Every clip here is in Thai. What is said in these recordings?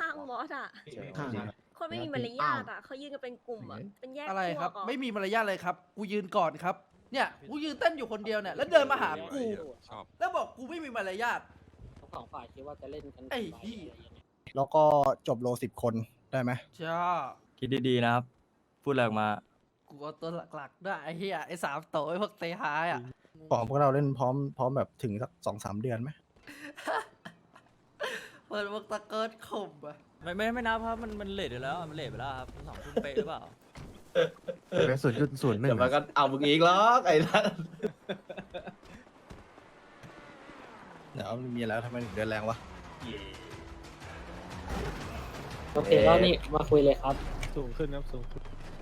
ข้างๆบอสอ่ะข้างคนไม่มีมารยาทอ่ะเขายืนกันเป็นกลุ่มอ่ะเป็นแยกอะไรพวครับกเหรอไม่มีมารยาทเลยครับกูยืนก่อนครับเนี่ยกูยืนเต้นอยู่คนเดียวเนี่ยแล้วเดินมาหากูชอบแล้วบอกกูไม่มีมารยาททั้งสองฝ่ายคิดว่าจะเล่นกันไอ้กี่ใบเหี้ยอะไรยังไงแล้วก็จบโล10 คนได้ไหมจ้าคิดดีๆนะครับ พูดอะไรออกมากูเอาตัวหลักๆด้วยไอ้เหี้ยไอ้สามโตไอ้พวกเตะหายอ่ะพวกเราเล่นพร้อมแบบถึงสัก2-3 เดือนไหมเปิดพวกตะเกิดข่มอ่ะไม่นับครับมันเลทอยู่แล้วมันเลทไปแล้วครับมัน2 ทุ่มเป๊ะหรือเปล่าเป็น0.01 เดี๋ยวมันก็เอามึงอีกหรอกไอ้นั่นเดี๋ยวมีอะไรทำไมถึงเดือนแรงวะโอเคก็นี่มาคุยเลยครับสูงขึ้นครับสูงขึ้น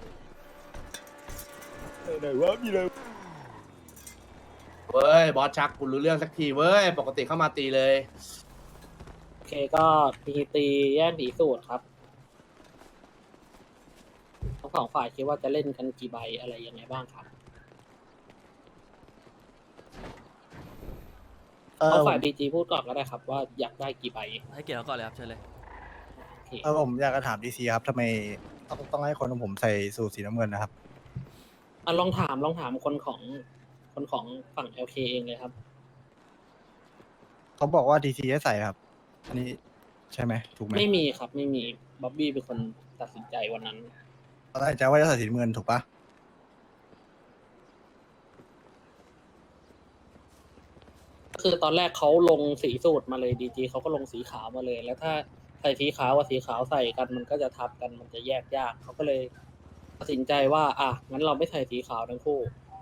เว้ยบอสชักกูรู้เรื่องสักทีเว้ยปกติเข้ามาตีเลยโอเคก็มีตีแย่งผีสูตรครับทั้งสองฝ่ายคิดว่าจะเล่นกันกี่ใบอะไรยังไงบ้างครับเอาฝ่ายบีจีพูดก่อนก็ได้ครับ ว่าอยากได้กี่ใบให้เกียรติเขาก่อนเลยครับเชิญเลยโอเคผมอยากจะถามดีซีครับทำไมต้องให้คนของผมใส่สูทสีน้ำเงินนะครับลองถามคนของฝั่ง LK เองเลยครับเขาบอกว่าดีซีให้ใส่ครับ อันนี้ใช่ไหมถูกไหมไม่มีครับไม่มีบ๊อบบี้เป็นคนตัดสินใจวันนั้นเขาตั้งใจว่าจะใส่สีน้ำเงินถูกปะคือตอนแรกเขาลงสีสูตรมาเลยดีจีเขาก็ลงสีขาวมาเลย แล้วถ้าใส่สีขาวกับสีขาวใส่กันมันก็จะทับกันมันจะแยกยากเขาก็เลยตัดสินใจว่างั้นเราไม่ใส่สีขาวทั้งคู่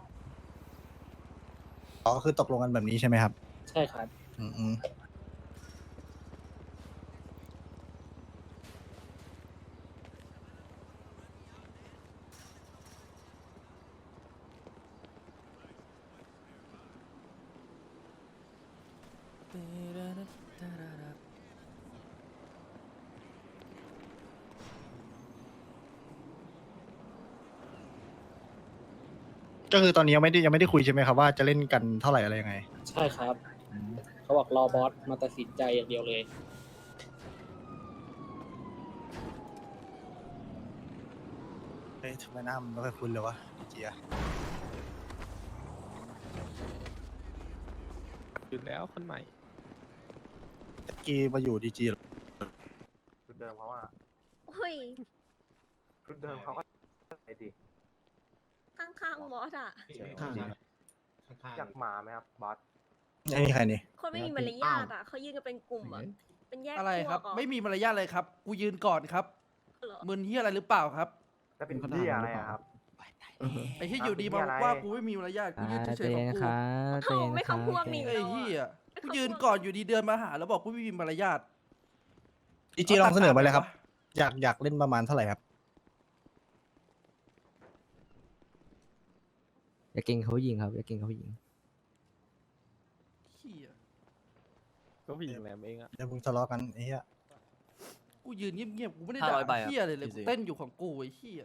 อ๋อคือตกลงกันแบบนี้ใช่ไหมครับใช่ครับอืม ก็คือตอนนี้ยังไม่ได้คุยใช่ไหมครับว่าจะเล่นกันเท่าไหร่อะไรยังไงใช่ครับเขาบอกรอบอสมาตัดสินใจอย่างเดียวเลยเฮ้ยทำไมหน้ามันไม่ค่อยคุ้นเลยวะเจียหยุดแล้วคนใหม่ตะกี้มาอยู่ดีจีชุดเดิมเขาอ่ะเฮ้ยชุดเดิมเขาก็ไอ้ดิข้างๆบอสอ่ะข้างอยากหมาไหมครับบอสไอ้นี่ใครนี่คนไม่มีมารยาทอ่ะเขายืนกันเป็นกลุ่มอ่ะเป็นแยกอะไรพวครับกเหรอไม่มีมารยาทเลยครับกูยืนก่อนครับเหรอมึนเฮียอะไรหรือเปล่าครับจะเป็นที่อะไรอะครับไอ้ที่อยู่ดีมาอะไรว่ากูไม่มีมารยาทกูยืนเฉยๆของกูเขาไม่คำพวกนี่ไอ้เฮียกูยืนก่อนอยู่ดีเดินมาหาแล้วบอกกูไม่มีมารยาทดีจีลองเสนอมาเลยครับ อยากเล่นประมาณเท่าไหร่ครับอย่าเก่งเขายิงครับอย่าเก่งเขายิงเฮียก็ผู้หญิงแหลมเองอ่ะเดี๋ยวมึงทะเลาะกันไอ้เหี้ยกูยืนเงียบๆกูไม่ได้ด่า 500ใบครับเฮียเลยจริกูงๆเต้นอยู่ของกูไอ้เฮีย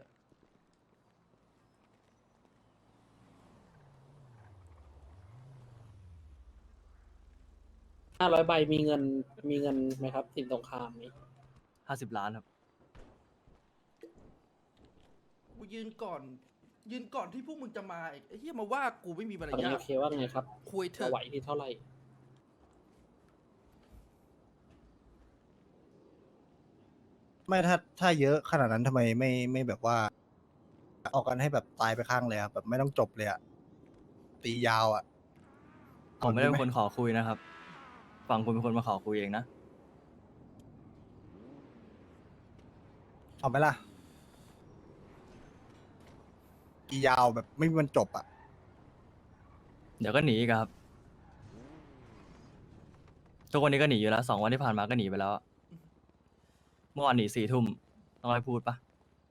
500 ใบมีเงินไหมครับสินสงครามนี้ 50 ล้านครับกูยืนก่อนที่พวกมึงจะมาอีกไอ้เฮียมาว่ากูไม่มีมารฝั่งยาท LK ว่าไงครับคุยเถจะอะไหวที่เท่าไหร่ไม่ถ้าเยอะขนาดนั้นทำไมไม่แบบว่า ออกกันให้แบบตายไปข้างเลยครับแบบไม่ต้องจบเลยอะตียาวอะผมไม่ได้เป็นคนขอคุยนะครับ ฝั่งคุณเป็นคนมาขอคุยเองนะเอาไหมล่ะตียาวแบบไม่มีวันจบอะเดี๋ยวก็หนีอีกครับ ทุกวันนี้ก็หนีอยู่แล้ว2 วันที่ผ่านมาก็หนีไปแล้ว เมื่อวานหนี4 ทุ่มต้องให้พูดปะ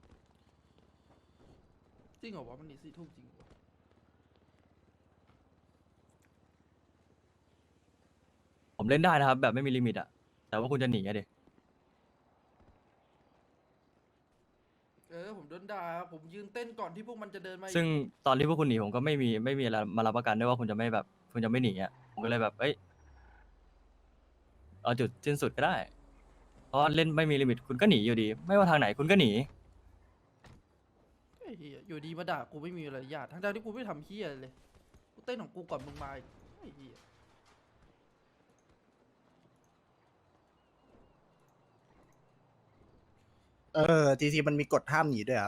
จริงเหรอวะมันหนี4 ทุ่มจริงเหรอผมเล่นได้นะครับ แบบไม่มีลิมิตอะแต่ว่าคุณจะหนีอะดิผมโดนด่าผมยืนเต้นก่อนที่พวกมันจะเดินมาอีกซึ่งตอนที่พวกคุณหนีผมก็ไม่มีอะไรมารับประกันด้วยว่าคุณจะไม่แบบคุณจะไม่หนีอ่ะผมก็เลยแบบเอ้ยเอาจุดสิ้นสุดก็ได้ เพราะเล่นไม่มีลิมิตคุณก็หนีอยู่ดี ไม่ว่าทางไหนคุณก็หนีไอ้เหี้ยอยู่ดีมาด่ากูไม่มีมารยาททั้งๆที่กูไม่ทำเหี้ยอะไรเลยกูเต้นของกูก่อนมึงมาอีกไอ้เหี้ยทีซีมันมีกฎห้ามหนีด้วยครับ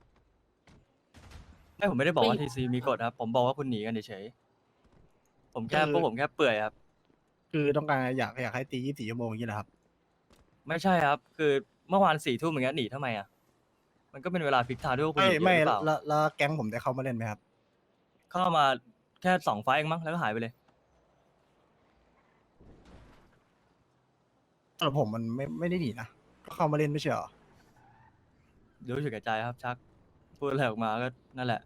ไม่ผมไม่ได้บอกว่าไม่ทีซีมีกฎครับ ผมบอกว่าคุณหนีกันเฉยๆผมแค่พวกผมแค่เปื่อยครับคือต้องการอยากให้ตี24 ชั่วโมงอย่างนี้แหละครับไม่ใช่ครับ คือเมื่อวาน4 ทุ่มอย่างเงี้ยหนีทำไมอ่ะ มันก็เป็นเวลาฟิกไทม์ที่พวกคุณหนีเยอะหรือเปล่าแล้วแก๊งผมได้เข้ามาเล่นไหมครับเข้ามาแค่2 ไฟล์เองมั้งแล้วก็หายไปเลยสำหรับผมมันไม่ได้หนีนะ ก็เข้ามาเล่นไม่ใช่เหรอรู้สึกแก่ใจครับชัก พูดอะไรออกมาก็นั่นแหละ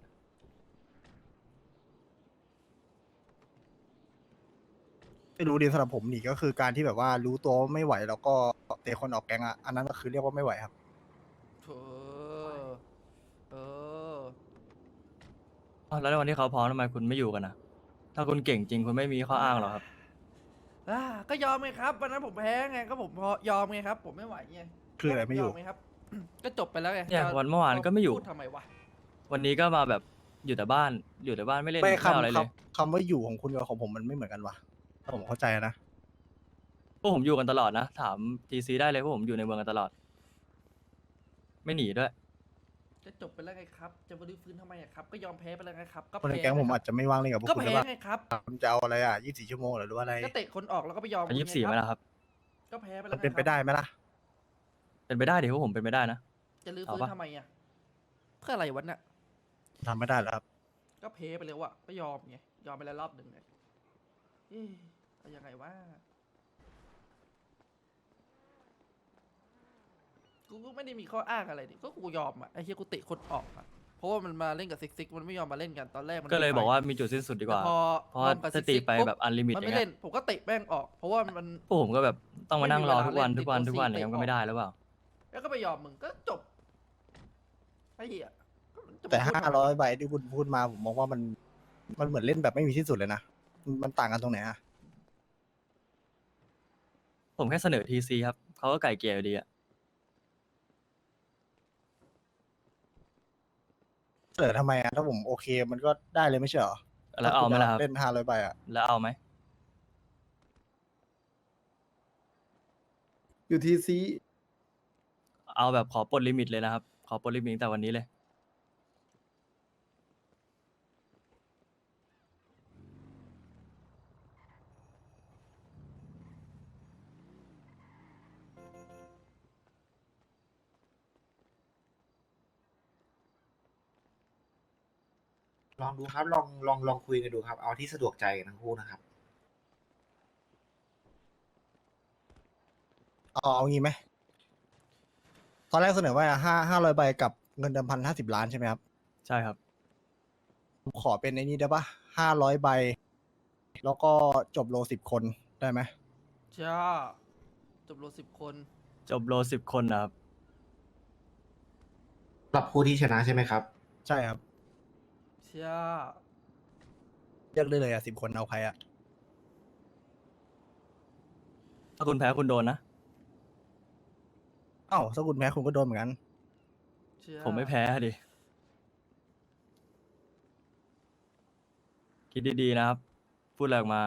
ไม่รู้ดีสำหรับผมหนีก็คือการที่แบบว่ารู้ตัวว่าไม่ไหวแล้วก็เตะคนออกแก๊งอ่ะ อันนั้นก็คือเรียกว่าไม่ไหวครับเออเอออ้าวแล้วในวันที่เขาพร้อมทำไมคุณไม่อยู่กันนะถ้าคุณเก่งจริงคุณไม่มีข้ออ้างหรอกครับก็ยอมไงครับวันนั้นผมแพ้ไงก็ผมพอยอมไงครับ ผมไม่ไหวไงคืออะไรไม่อยู่ไงครับ ก็จบไปแล้วไงเนี่ยวันเมื่อวานก็ไม่อยู่พูดทำไมวะวันนี้ก็มาแบบอยู่แต่บ้านไม่เล่นไม่ไม่เอาอะไรเลยคำว่าอยู่ของคุณกับของผมมันไม่เหมือนกันว่ะถ้าผมเข้าใจนะพวกผมอยู่กันตลอดนะ ถามทีซีได้เลยพวกผมอยู่ในเมืองกันตลอด ไม่หนีด้วยจะจบไปแล้วไงครับ จะมาลื้อฟื้นทำไมอะครับ ก็ยอมแพ้ไปแล้วไงครับ ก็คนในแพ้แก๊งผมไคอารับจจะไม่ว่างเล่นกับพวกก็คุณแพ้แล้วว่าไงครับคุณจะเอาอะไรอ่ะ24 ชั่วโมงหรือว่าอะไรก็เตะคนออกแล้วก็ไปยอมอายุคุณไง 24ไหมครับล่ะครับก็แพ้ไปแล้มัวนเป็นไปได้ไหมล่ะเป็นไปได้ดิพวกผมเป็นไปได้นะจะลื้อเอาฟื้นปะทำไมอะเพื่ออะไรวะเนี่ยทำไม่ได้แล้วครับก็แพ้ไปแล้วอะก็ยอมไง ยอมไปแล้วรอบหนึ่งไงเอ๊ะเอายังไงวะกูก็ไม่ได้มีข้ออ้างอะไรดิก็กูยอมอะไอ้เหี้ยกูเตะคนออกอะเพราะว่ามันมาเล่นกับซิกมันไม่ยอมมาเล่นกันตอนแรกมันก็เลยไม่ไปบอกว่ามีจุดสิ้นสุดดีกว่าแต่พอเพราะว่าลงกับถ้าตีซิกๆไปปุ๊แบบอันลิมิตมันอย่างไม่เงี้เล่ยนผมก็เตะแม่งออก เพราะว่ามันพวกผมก็แบบต้องมานั่งรอทุกวันไม่มีทุกวันเวลาทุกวันเล่นอย่างเงี้ยมันก็ไม่ได้หรือเปล่าแล้วก็ไปยอมมึงก็จบไอ้เหี้ยจะแต่พูดทำไม 500 ใบที่คุณพูดมาผมมองว่ามันเหมือนเล่นแบบไม่มีที่สุดเลยนะ มันต่างกันตรงไหนอ่ะผมแค่เสนอทีซีครับเขาก็ไก่เกลี่ยอยู่ดีอะแต่ทำไมอ่ะถ้าผมโอเคมันก็ได้เลยไม่ใช่เหรอแล้วเอาไหมล่ะครับเล่น500 ใบอ่ะแล้วเอาไหมอยู่ทีซีเอาแบบขอปลดลิมิตเลยนะครับ ขอปลดลิมิตตั้งแต่วันนี้เลยลองดูครับ ลองคุยกันดูครับ เอาที่สะดวกใจกันทั้งคู่นะครับเอางี้ไหม ตอนแรกเสนอว่า500 ใบกับเงินเดิม1,050 ล้านใช่ไหมครับใช่ครับผมขอเป็นในนี้ได้ปะ500 ใบ แล้วก็จบโล10 คนได้ไหมจ้าจบโล10 คนจบโล10 คนนะครับปรับผู้ที่ชนะใช่ไหมครับใช่ครับจ้าเลือกได้เลยอ่ะ10 คนเอาใครอ่ะถ้าคุณแพ้คุณโดนนะเอ้าถ้าคุณแพ้คุณก็โดนเหมือนกันจ้าผมไม่แพ้ดิ คิดดีๆนะครับ พูดอะไรออกมา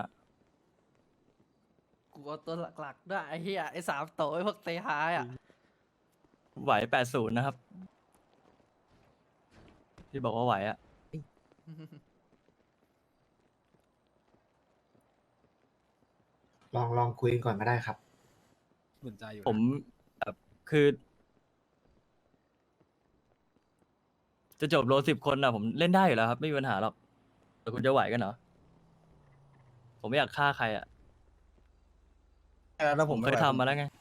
กูเอาตัวหลักๆด้วยไอ้เหี้ยไอ้3 โตวไอ้พวกเตะหายอ่ะไหว80นะครับ ที่บอกว่าไหวอะลองคุยกันก่อนก็ได้ครับผมแบบคือ จะจบโล10 คนอะผมเล่นได้อยู่แล้วครับ ไม่มีปัญหาหรอก แต่คุณจะไหวกันเหรอ ผมไม่อยากฆ่าใครอะแล้วผมเคยทำมาแล้วไง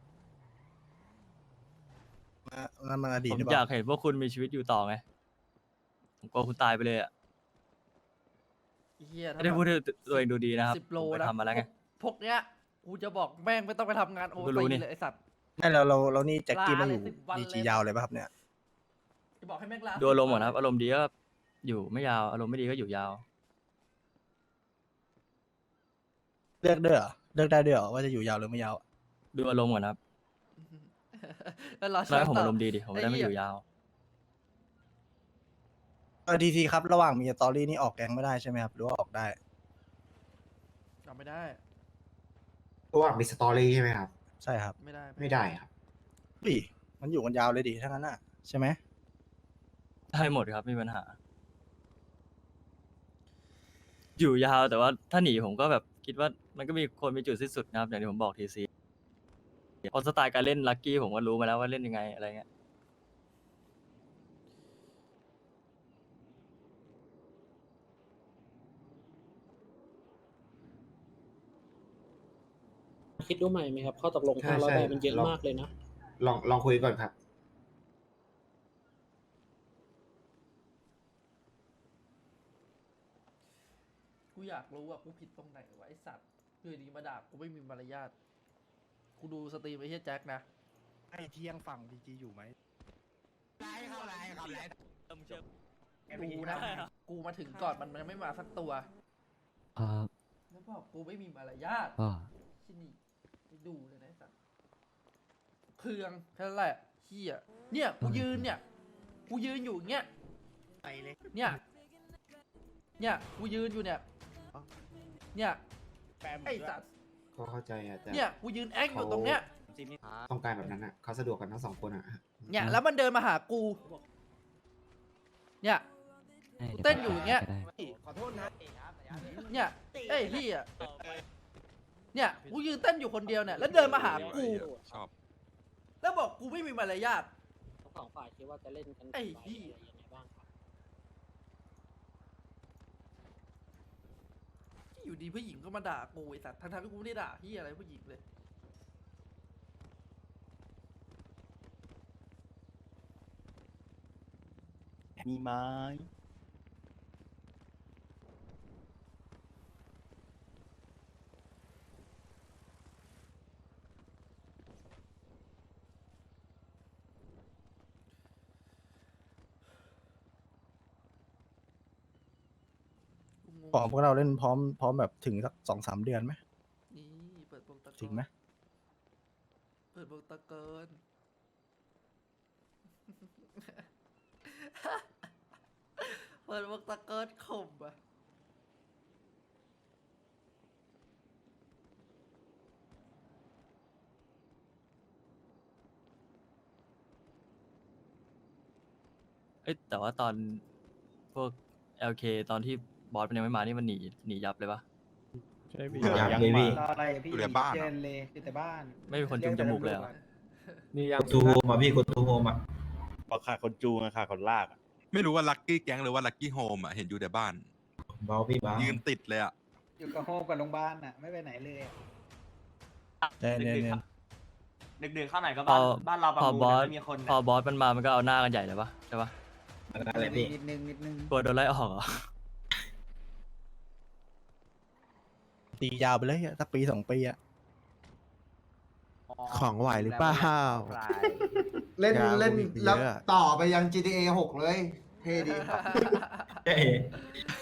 นั่นมันอดีตผมหรือเปอยาล่ากเห็นพวกคุณมีชีวิตอยู่ต่อไง ผมกลัวคุณตายไปเลยอะไอ้เหี้ยไม่ได้พูดให้ตัวเองดูดีนะครับ 10 โลผมไปนะทำมาแล้วไงพวกเนี้ยกูจะบอกแม่งไม่ต้องไปทำงานโอก็รู้ตีนี่เลยไอ้สัตว์ไม่เรานี่แจ็คกี้ลามาอเลยยู่ 10 วันดีเลยจียาวเลยป่ะครับเนี่ยจะบอกให้แม่งลาดูอารมณ์ก่อนนะครับ อารมณ์ดีก็อยู่ไม่ยาว อารมณ์ไม่ดีก็อยู่ยาวเลือกด้วยเหรอ เลือกได้ด้วยเหรอว่าจะอยู่ยาวหรือไม่ยาวดูอารมณ์ก่อนนะครับแล้วรอแล้วให้ผมต่อารมณ์ดีดิผมไม่ได้ไอ้ไม่เหี้อย ยู่ยาวทีซีครับระหว่างมีสตอรี่นี่ออกแก๊งไม่ได้ใช่ไหมครับหรือว่าออกได้จำไม่ได้เพราะว่ามีสตอรี่ใช่ไหมครับใช่ครับไม่ได้ไม่ได้ครับดิมันอยู่กันยาวเลยดิถ้างั้นน่ะใช่ไหมได้หมดครับไม่มีปัญหา อยู่ยาวแต่ว่าถ้าหนีผมก็แบบคิดว่ามันก็มีคนมีจุดสิ้นสุดนะครับอย่างที่ผมบอกทีซีเพราะสไตล์การเล่นลักกี้ผมก็รู้มาแล้วว่าเล่นยังไงอะไรเงี้ยคิดดูใหม่ไหมครับข้อตกลงใช่ 500 ใช่ใบมันเยอะลองมากเลยนะลองคุยก่อนครับกูอยากรู้ว่ากูผิดตรงไหนวะไอสัตว์อยู่ดีมาด่ากูไม่มีมารยาทกูดูสตรีมไอ้เฮียแจ็คนะไอ้เที่ยงฝั่งดีจีอยู่ไหมกูนะกูมาถึงก่อนมันยังไม่มาสักตัวครับแล้วบอกกูไม่มีมารยาทก็ที่นี่ไปดูเลยนะไอ้สัตว์เครื่องแค่นั้นแหละเฮียเนี่ยกูยืนเนี่ยกูยืนอยู่อย่างเงี้ยเนี่ยกูยืนอยู่เนี่ยไอ้สัตว์ก็เข้าใจอะแต่เนี่ยกูยืนแอคอยู่ตรงเนี้ยต้องการแบบนั้นอ่ะเขาสะดวกกันทั้งสองคนอ่ะเนี่ยแล้วมันเดินมาหากู เนี่ยให้ดี๋วเต้นอยู่อย่างเงี้ยก็ได้ขอโทษนะเนี่ยเอ้ยพี่อ่ะเนี่ยกูยืนเต้นอยู่คนเดียวเนี่ยแล้วเดินมาหากู แล้วบอกกูไม่มีมารยาททั้งสองฝ่ายคิดว่าจะเล่นกันไอ้กี่ใบเหี้ยอะไรยังไงบ้างครับอยู่ดีผู้หญิงก็มาด่ากูไอ้สัตว์ทั้งๆที่กูไม่ได้ด่าพี่อะไรผู้หญิงเลยมีไม้กูงงขอพวกเราเล่นพร้อมแบบถึงสัก2-3 เดือนไหมนี่เปิดวงตะกอนถึงไหมเปิดวงตะเกิน เปิดวงตะเกินข่มอะเอ้ยแต่ว่าตอนพวก LK ตอนที่บอสมันยังไม่มานี่มันหนียับเลยปะใช่พี่อยากเลยพี่อะไรพี่อยู่ในบ้านเจนเลยอยู่แต่บ้านไม่มีคนจุงจมูกเลยเหรอนี่ยังตูโฮมอ่ะพี่คุณตูโฮมอ่ะบอกขาดคนจูงอะขาดคนลากอะไม่รู้ว่าลักกี้แก๊งหรือว่าลักกี้โฮมอ่ะเห็นอยู่แต่บ้านเบาพี่เบายืนติดเลยอ่ะอยู่กับโฮมกับโรงพยาบาลน่ะไม่ไปไหนเลยอะเนี่ยดึกๆเข้าไหนก็พอบ้านเราประพอมูลบอสไม่มีคนพอบอสมันมามันก็เอาหน้ากันใหญ่เลยปะใช่ปะอะไรพี่นิดนึงกลัวโดนไล่ออกเหรอตียาวไปเลยอะสัก1-2 ปีอะของไหวหรือเปล่าเล่นยาวเล่นอีกเยอะแล้วต่อไปยัง GTA 6 เลย เท่ดีครับ